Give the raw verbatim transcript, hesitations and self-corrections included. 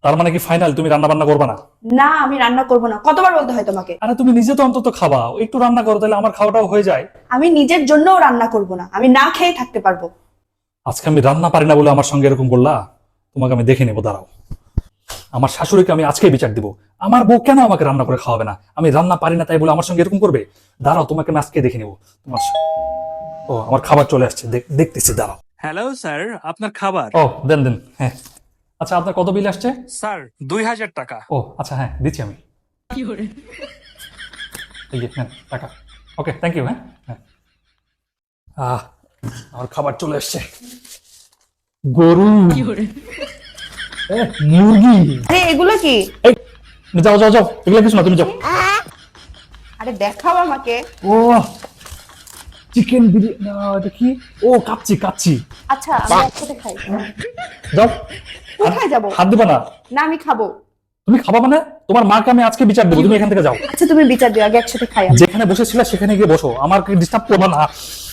তার মানে কি ফাইনাল তুমি রান্না বান্না করবে না? না আমি রান্না করব না, কতবার বলতে হয় তোমাকে? আরে তুমি নিজে তো অন্তত খাবা, একটু রান্না করো তাহলে আমার খাওয়াটাও হয়ে যায়। আমি নিজের জন্যও রান্না করব না, আমি না খেয়ে থাকতে পারবো। আজকে আমি রান্না পারি না বলে আমার সঙ্গে এরকম করলা? তোমাকে আমি দেখে নেবো, দাঁড়াও। আমার শাশুড়িকে আমি আজকে বিচার দিব। আমার বউ কেন আমাকে রান্না করে খাওয়াবে না? আমি রান্না পারি না তাই বলে আমার সঙ্গে এরকম করবে? দাঁড়াও, তোমাকে আমি আজকে দেখে নেবো। তোমার ও আমার খাবার চলে আসছে, দেখ- দেখতেছি, দাঁড়াও। হ্যালো স্যার, আপনার খাবার। ও দেন দেন, হ্যাঁ। আচ্ছা, আপনার কত বিল আসছে? স্যার দুই হাজার টাকা। ও আচ্ছা, হ্যাঁ দিচ্ছি আমি। এই যে নেন টাকা। Okay, thank you. হ্যাঁ হ্যাঁ। আহ আমার খাবার চলে আসছে। গরু, এ, মুরগি। আরে এগুলো কি? এই যাও যাও যাও, এগুলো কিছু না, তুমি যাও। আরে দেখাও আমাকে। ও চিকেন বিরিয়ানি, এটা কি? ও কাচ্চি কাচ্চি। আচ্ছা আমরা একসাথে খাই। যাও। কোথায় যাবো? হাত দিবা না। না আমি খাবো। তুমি খাবা মানে? তোমার মাকে আমি আজকে বিচার দেবো, তুমি এখান থেকে যাও। আচ্ছা তুমি বিচার দিও, আগে একসাথে খাই আমরা। যেখানে বসেছিলে সেখানে গিয়ে বসো, আমাকে ডিস্টার্ব করবা না।